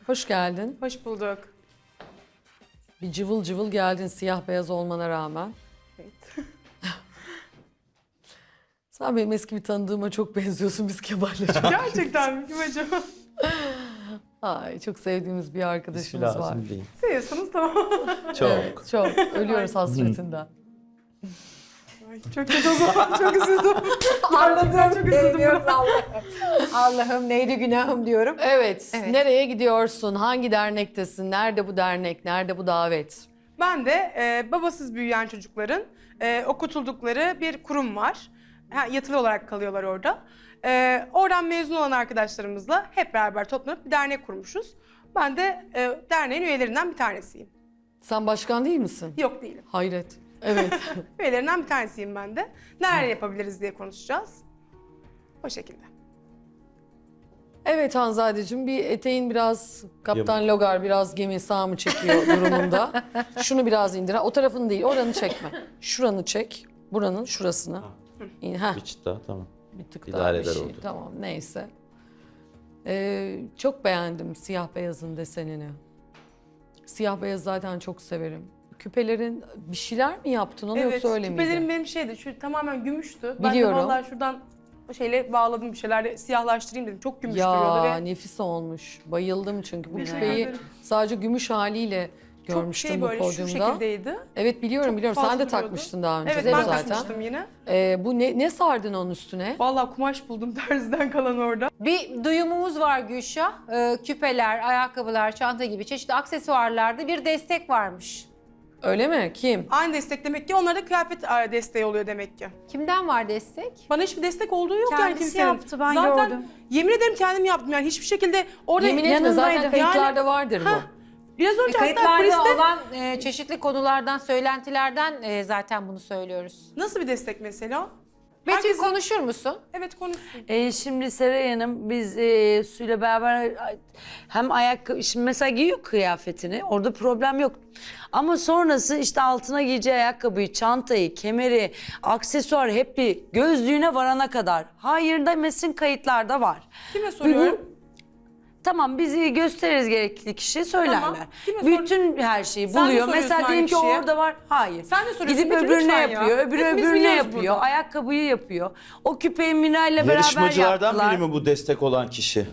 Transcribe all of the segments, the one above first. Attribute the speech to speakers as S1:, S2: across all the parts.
S1: Hoş geldin.
S2: Hoş bulduk.
S1: Bir cıvıl cıvıl geldin siyah beyaz olmana rağmen.
S2: Evet.
S1: Sen benim eski bir tanıdığıma çok benziyorsun, biz Kemal'le çok.
S2: Gerçekten mi? Kim acaba?
S1: Ay, çok sevdiğimiz bir arkadaşımız var.
S3: Lazım değil.
S2: Seviyorsanız tamam.
S3: Çok.
S1: Evet, çok. Ölüyoruz hasretinden.
S2: Ay, çok kötü o zaman. Çok üzüldüm.
S4: Anladım.
S2: Çok üzüldüm.
S4: Diyoruz Allah'ım. Allah'ım neydi günahım diyorum.
S1: Evet,
S4: Evet.
S1: nereye gidiyorsun? Hangi dernektesin? Nerede bu dernek? Nerede bu davet?
S2: Ben de babasız büyüyen çocukların okutuldukları bir kurum var. Yatılı olarak kalıyorlar orada. Oradan mezun olan arkadaşlarımızla hep beraber toplanıp bir dernek kurmuşuz. Ben de derneğin üyelerinden bir tanesiyim.
S1: Sen başkan değil misin?
S2: Yok değilim.
S1: Hayret. Evet.
S2: Üyelerinden bir tanesiyim ben de. Neler yapabiliriz diye konuşacağız. O şekilde.
S1: Evet Hanzadeciğim, bir eteğin biraz Kaptan Logar biraz gemi sağ mı çekiyor durumunda. Şunu biraz indir. O tarafını değil, oranı çekme. Şuranı çek. Buranın şurasını. Heh,
S3: Bir çıt daha tamam.
S1: bir tık
S3: idare
S1: daha bir
S3: eder
S1: şey.
S3: oldu.
S1: Tamam, neyse. Çok beğendim siyah beyazın desenini. Siyah beyaz zaten çok severim. Küpelerin bir şeyler mi yaptın onu yoksa öyle miydi?
S2: küpelerim benim şeydi, şu tamamen gümüştü.
S1: Biliyorum.
S2: Ben de vallahi şuradan şeyle bağladım bir şeylerle siyahlaştırayım dedim. Çok gümüş duruyordu
S1: Ya
S2: ve
S1: nefis olmuş. Bayıldım çünkü bu
S2: Teşekkür
S1: küpeyi
S2: ederim.
S1: sadece gümüş haliyle
S2: çok
S1: görmüştüm
S2: şey
S1: bu
S2: böyle şu
S1: podyumda.
S2: şekildeydi.
S1: Evet biliyorum
S2: Çok
S1: Sen
S2: fazla
S1: de
S2: duruyordu.
S1: takmıştın daha önce
S2: Evet
S1: değil mi
S2: ben
S1: zaten?
S2: takmıştım yine.
S1: Bu ne sardın onun üstüne?
S2: Vallahi kumaş buldum terziden kalan orada.
S4: Bir duyumumuz var Gülşah. Küpeler, ayakkabılar, çanta gibi çeşitli aksesuarlarda bir destek varmış.
S1: Öyle mi? Kim?
S2: Aynı destek demek ki onlara da kıyafet desteği oluyor demek ki.
S4: Kimden var destek?
S2: Bana hiçbir destek olduğu yok yani
S5: Kendisi
S2: kimsenin.
S5: yaptı, ben
S2: Zaten
S5: gördüm.
S2: yemin ederim kendim yaptım yani hiçbir şekilde orada
S1: Yemin etme zaten
S5: yanındaydı.
S1: kayıtlarda vardır bu.
S2: Heh, biraz önce hatta
S4: Kayıtlarda
S2: kuliste
S4: olan çeşitli konulardan, söylentilerden zaten bunu söylüyoruz.
S2: nasıl bir destek mesela?
S4: Betül
S2: Herkesin-
S4: konuşur musun?
S2: Evet konuşsun.
S5: Şimdi Seray Hanım biz Su'yla beraber hem ayakkabı, şimdi mesela giyiyor kıyafetini orada problem yok. Ama sonrası işte altına giyeceği ayakkabıyı, çantayı, kemeri, aksesuar hep bir gözlüğüne varana kadar. Hayır demesin kayıtlarda var.
S2: Kime soruyorum?
S5: Tamam bizi gösteririz gerekli kişi söylerler.
S2: Tamam, kime sor-
S5: Bütün her şeyi
S2: Sen mi
S5: buluyor.
S2: soruyorsun
S5: Mesela diyelim
S2: aynı
S5: ki
S2: kişiye?
S5: orada var. Hayır.
S2: Sen de soruyorsun.
S5: Gidip
S2: Betül,
S5: öbürüne
S2: lütfen ya.
S5: yapıyor. Öbürü
S2: Hepimiz
S5: öbürüne
S2: biliyoruz
S5: yapıyor.
S2: burada.
S5: Ayakkabıyı yapıyor. O küpeyi Miray'la beraber
S3: Yarışmacılardan
S5: yaptılar.
S3: biri mi bu destek olan kişi?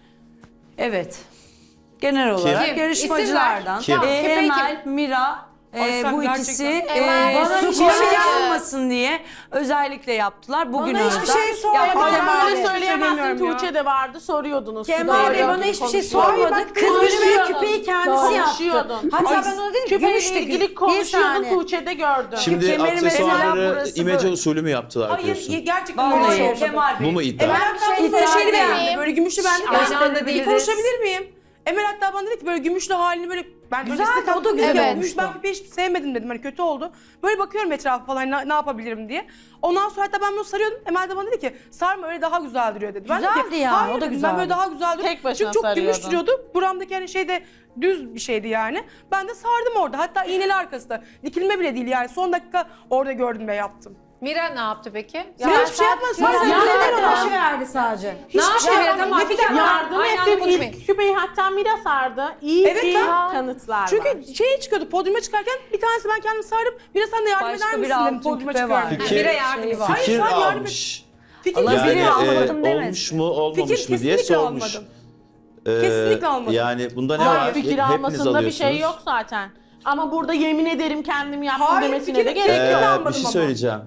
S5: Evet. Genel olarak
S4: Kim?
S5: yarışmacılardan.
S3: İsim ver.
S4: Kim? Küpeyi
S5: Emel, Mira.
S2: Ay sen
S5: Bu
S2: gerçekten-
S5: ikisi
S4: Emel,
S5: bana
S4: Su
S5: hiçbir şey
S4: koyuyor.
S5: yapmasın diye özellikle yaptılar. Bugün
S6: Bana hiçbir şey sormadı.
S2: Kemal
S6: Kemal
S2: Bey,
S6: öyle söyleyemezsin.
S2: söylemiyorum ya.
S6: Tuğçe de vardı soruyordunuz.
S5: Kemal Bey bana hiçbir şey sormadı. Kız bir küpeyi kendisi yaptı.
S6: Konuşuyordun.
S5: Hatta ben ona dedim ki
S6: Küpeyle
S5: gümüş de
S6: ilgili
S5: bir
S6: konuşuyordun.
S5: saniye.
S6: Tuğçe'de gördüm.
S3: Şimdi
S5: kemeri mesela
S3: aksesuarları
S5: burası
S3: imece
S5: böyle.
S3: usulü mü yaptılar
S2: Hayır
S3: diyorsun?
S2: gerçekten öyle bir şey
S5: Vallahi
S2: olmadı.
S5: Kemal Bey.
S3: Bu mu iddia?
S2: Emel hatta
S5: şey
S2: bu böyle şeyli
S5: iddia
S2: beğendi.
S5: değil.
S2: Böyle gümüşlü beğendi.
S4: Aynı anda
S2: Bir
S4: biliriz.
S2: konuşabilir miyim? Emel hatta bana dedi ki böyle gümüşlü halini böyle ben
S5: Güzeldi,
S2: öylesine
S5: o da güzel
S2: evet.
S5: olmuştu.
S2: Ben küpeyi hiç sevmedim dedim hani kötü oldu. Böyle bakıyorum etrafa falan ne yapabilirim diye. Ondan sonra hatta ben bunu sarıyordum. Emel de bana dedi ki sarma öyle daha güzel duruyor dedi. Ben dedim
S5: Güzeldi
S2: ki,
S5: ya,
S2: hayır
S5: o da
S2: dedim,
S5: güzeldi.
S2: Ben böyle daha güzel duruyor.
S6: Tek başına
S2: Çünkü çok gümüş
S6: sarıyordun.
S2: duruyordu. Buramdaki hani şey de düz bir şeydi yani. Ben de sardım orada. Hatta iğneli arkası da. Dikilme bile değil yani. Son dakika orada gördüm ve yaptım.
S4: Mira ne yaptı peki?
S2: Mira hiçbir şey yapmaz. Sonra sen güzel ona.
S5: verdi sadece.
S4: Ne yaptı Mira? Tamam. Bir dakika.
S6: Yardım
S4: Aynı anda
S6: ettim.
S4: konuşmayın.
S6: İlk küpeyi hatta Mira sardı. İyi
S2: Evet,
S6: ki
S2: tamam.
S6: kanıtlar var.
S2: Çünkü şeye çıkıyordu, podyuma çıkarken bir tanesi ben kendimi sardım. Bir de sen de yardım
S5: Başka
S2: eder
S5: bir
S2: misin dedim
S5: altın
S2: podyuma
S5: küpe
S2: çıkarken.
S5: var.
S3: Fikir-
S4: Mira yardımı var.
S2: Hayır,
S3: Fikir
S2: sen yardım et.
S3: almış.
S2: Fikir
S5: Allah
S2: kesinlikle
S5: bilir,
S2: almadım.
S5: almadım demez.
S3: olmuş mu olmamış
S2: Fikir
S3: mı diye
S2: kesinlikle
S3: sormuş.
S2: almadım. Kesinlikle almadım.
S3: Yani bunda ne
S6: Hayır,
S3: var?
S6: fikir
S3: Hepiniz
S6: almasında bir şey
S3: alıyorsunuz.
S6: yok zaten. Ama burada yemin ederim kendim yaptım
S2: Hayır,
S6: demesine
S2: fikir-
S6: de gerek yok.
S2: Fikir almadım
S3: Bir şey
S2: ama.
S3: söyleyeceğim.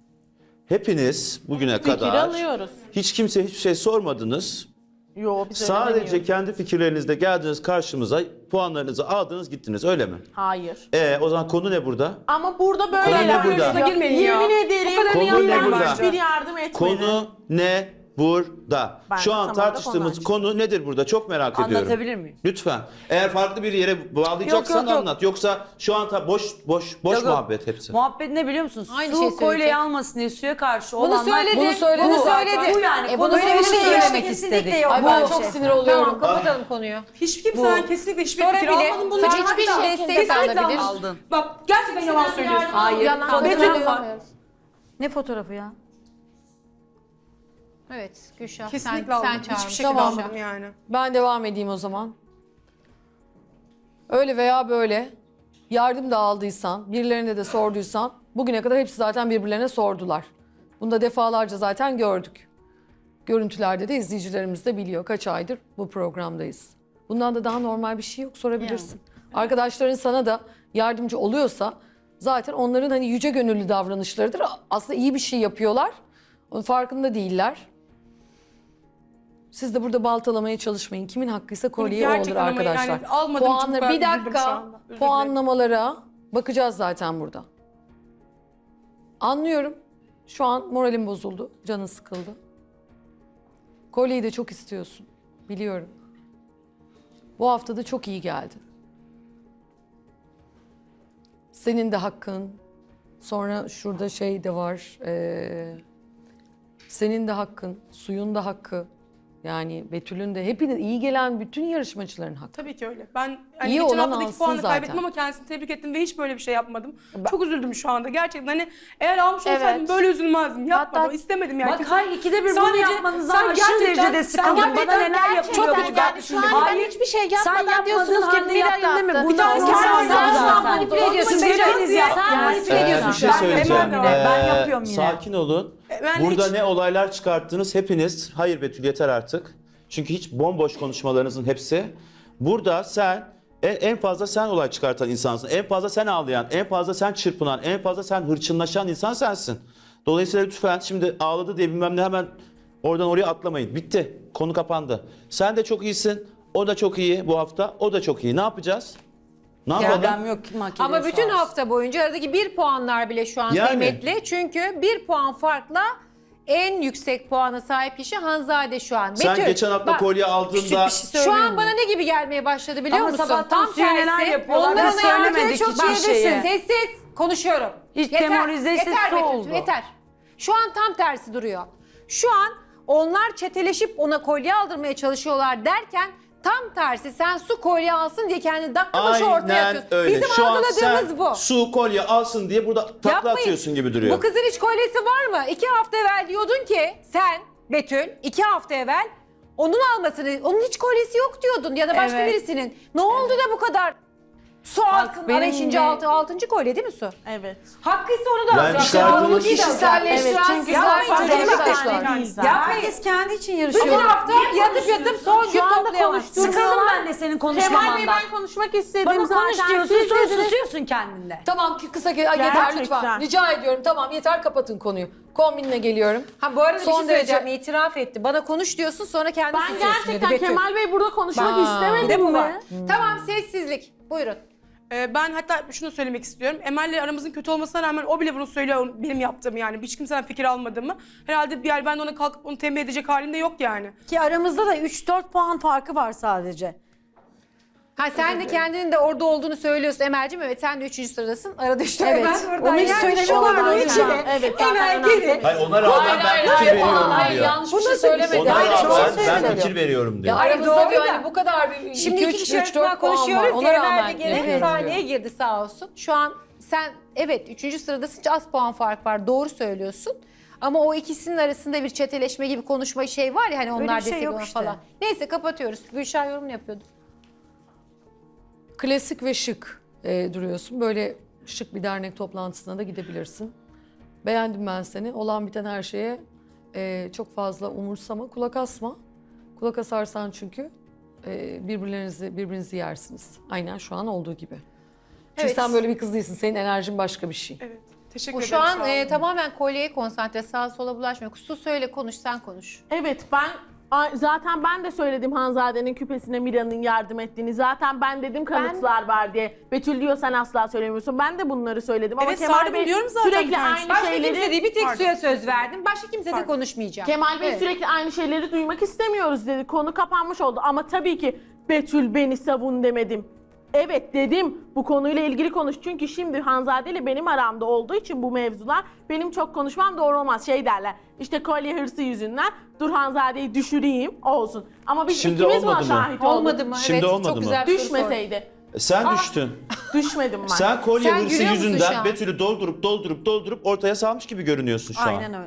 S3: Hepiniz bugüne
S6: Fikir
S3: kadar
S6: alıyoruz.
S3: hiç kimseye hiçbir şey sormadınız.
S6: Yo biz öyle
S3: Sadece
S6: demiyoruz.
S3: kendi fikirlerinizle geldiniz karşımıza, puanlarınızı aldınız gittiniz öyle mi?
S6: Hayır.
S3: O zaman konu ne burada?
S6: Ama burada böyle
S3: Konu ne
S6: yapıyoruz.
S3: burada?
S2: Girmeyin ya.
S6: Yemin ederim
S2: Bu kadarını
S3: Konu ne
S6: ben
S3: burada?
S6: hiçbir yardım etmedim.
S3: Konu ne burada?
S6: Ben
S3: Şu
S6: de
S3: an
S6: tam olarak
S3: tartıştığımız
S6: onu
S3: konu nedir burada? Çok merak ediyorum.
S5: Anlatabilir miyim?
S3: Lütfen. Eğer farklı bir yere bağlayacaksan
S5: Yok, yok, yok.
S3: anlat. Yoksa şu an boş
S5: Yok, yok.
S3: muhabbet hepsi.
S5: Muhabbet ne biliyor musunuz?
S4: Aynı
S5: Su
S4: şeyi
S5: kolyeyi
S4: söyleyecek.
S5: almasın diye suya karşı
S4: Bunu
S5: olanlar...
S4: söyledi.
S1: Bunu söyledi
S4: Bunu
S1: zaten.
S4: söyledi.
S5: Bu yani.
S4: Bunu
S5: Böyle bir şey
S4: söylemek
S5: söylemek
S4: kesinlikle
S5: istedik.
S4: yok.
S1: Ay ben çok sinir oluyorum.
S4: Tamam kapatalım konuyu.
S2: Hiç kimseden kesinlikle hiçbir
S4: Sonra
S2: fikir
S4: bile
S2: almadım. Bunun
S4: sen
S2: için
S4: hiçbir
S2: hatta-
S4: destek
S2: Kesinlikle
S4: alabilir.
S5: Aldın.
S2: Bak gerçekten yalan söylüyorsun.
S5: Hayır.
S4: Yalan
S5: Fotoğraf
S4: söylüyor.
S5: var. Ne fotoğrafı ya?
S4: Evet Gülşah
S2: Kesinlikle
S4: sen
S2: almadım.
S4: çağırmışsın.
S2: Hiçbir şekilde
S1: Tamam.
S2: almadım yani.
S1: Ben devam edeyim o zaman. Öyle veya böyle yardım da aldıysan, birilerine de sorduysan bugüne kadar hepsi zaten birbirlerine sordular. Bunu da defalarca zaten gördük. Görüntülerde de izleyicilerimiz de biliyor kaç aydır bu programdayız. Bundan da daha normal bir şey yok, sorabilirsin. Arkadaşların sana da yardımcı oluyorsa zaten onların hani yüce gönüllü davranışlarıdır. Aslında iyi bir şey yapıyorlar. Onun farkında değiller. Siz de burada baltalamaya çalışmayın. Kimin hakkıysa kolyeye o olur
S2: Gerçekten ama
S1: arkadaşlar.
S2: yani almadığım için bu
S1: Puanları
S2: kadar
S1: bir
S2: üzüldüm şu
S1: dakika.
S2: anda. Özür dilerim.
S1: Puanlamalara bakacağız zaten burada. Anlıyorum. Şu an moralim bozuldu. Canın sıkıldı. Kolyeyi de çok istiyorsun. Biliyorum. Bu hafta da çok iyi geldi. Senin de hakkın. Sonra şurada şey de var. Senin de hakkın. Suyun da hakkı. Yani Betül'ün de hepiniz iyi gelen bütün yarışmacıların hakkı.
S2: Tabii ki öyle. Ben hani
S1: İyi
S2: geçen
S1: olan
S2: haftadaki
S1: alsın
S2: puanı
S1: zaten.
S2: kaybettim ama kendisini tebrik ettim ve hiç böyle bir şey yapmadım. Çok üzüldüm şu anda gerçekten. Hani eğer almış olsaydım böyle üzülmezdim. Yapmadım,
S6: Hatta-
S2: istemedim yani.
S5: Bak hayır, ikide bir bunu
S2: Sadece-
S5: yapmanızdan
S2: sen
S5: aşırı
S2: gerçekten-
S5: derecede
S2: sen
S5: sıkıldım. Bana
S2: gerçekten
S5: neler yapılıyor.
S6: Çok
S5: ben
S6: kötü geldi. Şu an ben
S5: Hayır,
S6: hiçbir şey
S5: sen
S6: yapmadan
S5: yapmadın
S6: diyorsunuz ki
S5: halde
S6: Mira
S5: yaptın değil mi?
S6: yaptı.
S5: Bunu
S6: Bir tane
S5: olmaz
S6: sen
S5: zaten.
S4: manipüle ediyorsun.
S5: Siz hepiniz
S4: Manipüle ediyorsun
S3: Bir
S4: şu
S3: şey
S4: an.
S3: söyleyeceğim.
S5: Hemen yine, ben yapıyorum yine.
S3: Sakin olun.
S2: Ben
S3: Burada
S2: hiç-
S3: ne olaylar çıkarttınız hepiniz. Hayır Betül yeter artık. Çünkü hiç bomboş konuşmalarınızın hepsi. Burada sen en fazla sen olay çıkartan insansın. En fazla sen ağlayan, en fazla sen çırpınan, en fazla sen hırçınlaşan insan sensin. Dolayısıyla lütfen şimdi ağladı diye bilmem ne hemen oradan oraya atlamayın. Bitti. Konu kapandı. Sen de çok iyisin. O da çok iyi bu hafta. O da çok iyi. Ne yapacağız? Ne yapalım?
S5: Problem yok ki makinesi
S4: Ama bütün
S5: olsun.
S4: hafta boyunca aradaki 1 puanlar bile şu an
S3: Yani.
S4: kıymetli. Çünkü 1 puan farkla en yüksek puana sahip kişi Hanzade şu an.
S3: Sen
S4: Betül,
S3: geçen hafta
S4: bak,
S3: kolye aldığında
S4: şu an bana ne gibi gelmeye başladı biliyor
S5: Ama
S4: musun?
S5: sabahtan Suya neler yapıyorlar,
S4: Onların
S5: biz
S4: hayatını
S5: söylemedik
S4: çok
S5: hiçbir
S4: bilirsin.
S5: şeyi.
S4: Sessiz konuşuyorum.
S5: Hiç demoralize
S4: yeter
S5: sesi
S4: Betül,
S5: oldu.
S4: yeter. Şu an tam tersi duruyor. Şu an onlar çeteleşip ona kolye aldırmaya çalışıyorlar derken tam tersi sen su kolye alsın diye kendini dakika başı ortaya
S3: aynen
S4: atıyorsun.
S3: öyle.
S4: Bizim
S3: Şu an
S4: algıladığımız
S3: sen
S4: bu.
S3: su kolye alsın diye burada takla
S4: Yapmayın.
S3: atıyorsun gibi duruyor.
S4: Bu kızın hiç kolyesi var mı? 2 hafta evvel diyordun ki sen Betül 2 hafta evvel onun almasını, onun hiç kolyesi yok diyordun ya da başka
S6: Evet.
S4: birisinin. Ne oldu da bu kadar su alsın?
S5: benim
S4: 5.
S5: de-
S4: 6. kolye değil mi su?
S6: Evet.
S4: Hakkıysa onu da
S3: Ben
S4: alacak.
S3: çıkardığım-
S4: Onu
S1: Kişiselleştiren
S6: Evet, çünkü
S1: sizler
S6: zaten
S1: söylüyor
S6: evet,
S1: arkadaşlar.
S4: Yapmayın.
S5: Herkes kendi için
S4: Bütün
S5: yarışıyor.
S4: hafta yatıp son gün
S6: Şu anda
S4: toplayamazsın.
S6: konuştuğumuz-
S5: Sıkıldım ben de senin
S6: Kemal Bey
S5: konuşmamandan.
S6: ben konuşmak istedim
S5: Bana
S6: zaten.
S5: konuş diyorsun,
S6: Siz
S5: sonra
S6: dediniz-
S5: susuyorsun kendinde.
S1: Tamam ki kısa yeter
S6: Gerçekten.
S1: lütfen. Rica ediyorum. Tamam yeter kapatın konuyu. Kombinle geliyorum.
S4: Ha bu arada bir
S1: Son
S4: şey söyleyeceğim.
S1: derece-
S4: İtiraf etti. Bana konuş diyorsun sonra kendi
S6: Ben
S4: susuyorsun
S6: gerçekten
S4: dedi Betül.
S6: Kemal Bey burada konuşmak
S1: Aa.
S4: Bir de
S6: istemedim
S4: bu var.
S6: mi?
S4: Tamam sessizlik. Buyurun.
S2: Ben hatta şunu söylemek istiyorum. Emel'le aramızın kötü olmasına rağmen o bile bunu söylüyor benim yaptığımı yani. Hiç kimseden fikir almadığımı. Herhalde bir yer ben de ona kalkıp onu tembih edecek halimde yok yani.
S7: Ki aramızda da 3-4 puan farkı var sadece.
S4: Ha sen de kendinin de orada olduğunu söylüyorsun Emel'cim. Evet sen de 3. sıradasın. Arada işte
S7: Evet,
S4: Emel oradan
S7: onu hiç
S4: gelmiş
S7: söylemedim
S4: olan
S7: ben
S4: içine.
S7: hocam.
S6: Evet, zaten
S4: Emel
S6: önemli.
S4: geri.
S3: Hayır ona rağmen ben fikir veriyorum diyor.
S1: yanlış bir şey söylemedi.
S3: Ona
S1: Hayır, doğru
S3: rağmen ben
S1: söylüyor.
S3: fikir veriyorum
S1: Ya
S3: diyor.
S1: aramızda
S4: doğru
S1: diyor
S4: da.
S1: hani bu kadar bir
S4: Şimdi 2 kişi
S1: 3
S4: arasında
S1: 4 puan var.
S4: konuşuyoruz.
S1: Ona
S4: Emel de
S1: rağmen
S4: geri bir
S1: evet.
S4: sahneye girdi sağ olsun. Şu an sen evet 3. sıradasın. Az puan fark var. Doğru söylüyorsun. Ama o ikisinin arasında bir çeteleşme gibi konuşma şey var ya hani onlar
S7: bir şey
S4: destek
S7: yok
S4: olan
S7: işte.
S4: falan. Neyse kapatıyoruz. Gülşah yorumunu yapıyordu.
S1: Klasik ve şık duruyorsun. Böyle şık bir dernek toplantısına da gidebilirsin. Beğendim ben seni. Olan biten her şeye çok fazla umursama, kulak asma. Kulak asarsan çünkü birbirinizi yersiniz. Aynen şu an olduğu gibi. Çünkü
S4: Evet.
S1: sen böyle bir kız değilsin. Senin enerjin başka bir şey.
S2: Evet. Teşekkür
S4: O
S2: ederim.
S4: şu an
S2: sağ olun.
S4: tamamen kolyeye konsantre. Sağa sola bulaşmıyor. Su söyle konuş sen konuş.
S6: Evet zaten ben de söyledim Hanzade'nin küpesine Mira'nın yardım ettiğini. Zaten ben dedim kanıtlar var diye. Betül diyor sen asla söylemiyorsun. Ben de bunları söyledim ama
S2: Evet,
S6: Kemal
S2: Sarı
S6: Bey
S2: biliyorum zaten bir
S6: sürekli
S2: tanesi.
S6: aynı
S4: Başka kimse
S6: şeyleri...
S4: değil bir tek
S2: Pardon.
S4: suya söz verdim. Başka kimse de
S2: Pardon.
S4: konuşmayacağım.
S6: Kemal Bey
S4: Evet.
S6: sürekli aynı şeyleri duymak istemiyoruz dedi. Konu kapanmış oldu ama tabii ki Betül beni savun demedim. Evet dedim bu konuyla ilgili konuş. Çünkü şimdi Hanzade ile benim aramda olduğu için bu mevzular benim çok konuşmam doğru olmaz. Şey derler işte kolye hırsı yüzünden dur Hanzade'yi düşüreyim olsun. Ama biz
S3: Şimdi
S6: ikimiz buna
S3: olmadı mı?
S6: şahit olduk.
S4: Olmadı mı?
S3: Şimdi
S4: evet,
S3: olmadı
S4: çok
S3: mı?
S4: güzel bir soru sordun.
S6: Düşmeseydi.
S3: Sen düştün.
S6: Düşmedim ben.
S3: Sen kolye
S4: Sen
S3: hırsı
S4: gülüyor musun şu
S3: yüzünden
S4: an?
S3: Betül'ü doldurup ortaya salmış gibi görünüyorsun şu an.
S7: Aynen öyle.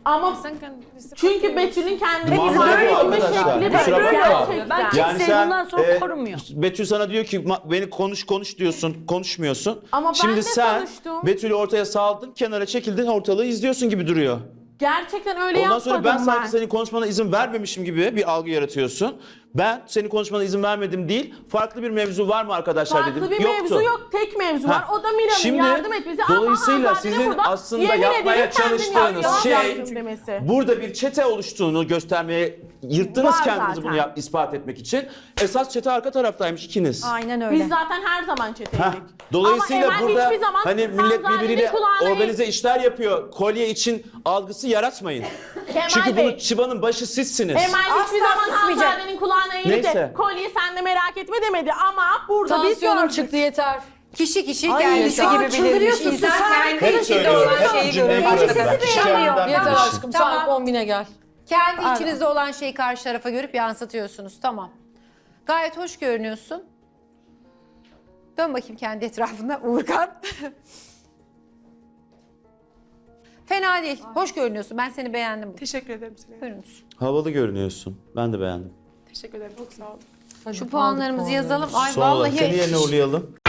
S6: Ama çünkü Betül'ün kendini
S3: Mantığı
S6: ifade
S3: bu
S6: etme
S3: arkadaşlar.
S6: şekli
S3: Kusura
S6: böyle
S3: bakma.
S6: gerçekten.
S5: Ben kimseyi bundan sonra korumuyor.
S3: Betül sana diyor ki beni konuş diyorsun, konuşmuyorsun.
S6: Ama ben
S3: Şimdi
S6: de
S3: sen
S6: konuştum.
S3: Betül'ü ortaya saldın, kenara çekildin, ortalığı izliyorsun gibi duruyor.
S6: Gerçekten öyle
S3: Ondan
S6: yapmadım
S3: sonra ben sanki senin konuşmana izin vermemişim gibi bir algı yaratıyorsun. Ben senin konuşmana izin vermedim değil, farklı bir mevzu var mı arkadaşlar dedim.
S6: Farklı bir
S3: Yoktu.
S6: mevzu yok. Tek mevzu var. O da Mira'nın
S3: Şimdi,
S6: yardım etmesi.
S3: dolayısıyla
S6: Ama Hanzade'nin
S3: sizin
S6: burada
S3: aslında
S6: yemin
S3: yapmaya
S6: ederim kendini
S3: çalıştığınız
S6: yalan
S3: şey
S6: yaptım demesi.
S3: burada bir çete oluştuğunu göstermeye yırttınız
S6: Var
S3: kendinizi
S6: zaten.
S3: bunu ispat etmek için. Esas çete arka taraftaymış ikiniz.
S7: Aynen öyle.
S6: Biz zaten her zaman
S3: Heh,
S6: çeteydik.
S3: dolayısıyla
S6: Ama Emel
S3: burada
S6: hiçbir zaman
S3: hani millet
S6: Hanzade'nin
S3: birbiriyle
S6: kulağına-
S3: organize işler yapıyor. Kolye için algısı yaratmayın.
S6: Kemal
S3: Çünkü
S6: Bey,
S3: bunu çıbanın başı sizsiniz.
S6: Emel hiçbir
S7: Asla
S6: zaman
S7: susmayacak.
S6: Hanzade'nin kulağına eğilip
S3: Neyse.
S6: de kolye sen de merak etme demedi ama burada biz
S1: Tansiyonum
S6: gördük.
S1: çıktı yeter.
S4: Kişi kişi
S7: Ay,
S4: kendisi
S7: şu an
S4: gibi bilirmiş.
S7: çıldırıyorsun,
S4: İnsan
S7: sen
S4: kendi
S3: Hep
S4: içinde
S3: söylüyorum.
S4: olan
S3: Hep
S4: şeyi
S3: cümleyi
S4: görür.
S3: kuradım ben.
S7: Sesi
S3: Kişi
S7: beğenmiyor.
S3: kendinden
S1: Yeter
S3: bilir.
S1: aşkım
S4: Tamam.
S1: sen kombine gel.
S4: Kendi içinizde olan şeyi karşı tarafa görüp yansıtıyorsunuz. Tamam. Gayet hoş görünüyorsun. Dön bakayım kendi etrafında Uğurkan. Fena değil. Hoş görünüyorsun. Ben seni beğendim. bugün.
S2: Teşekkür ederim Süleyman.
S4: Buyurunuz.
S3: Havalı görünüyorsun. Ben de beğendim.
S2: Teşekkür ederim. Çok sağ olun.
S4: Şu puanlarımızı yazalım. Ay
S3: Son olarak
S4: vallahi
S3: seni yerine uğurlayalım.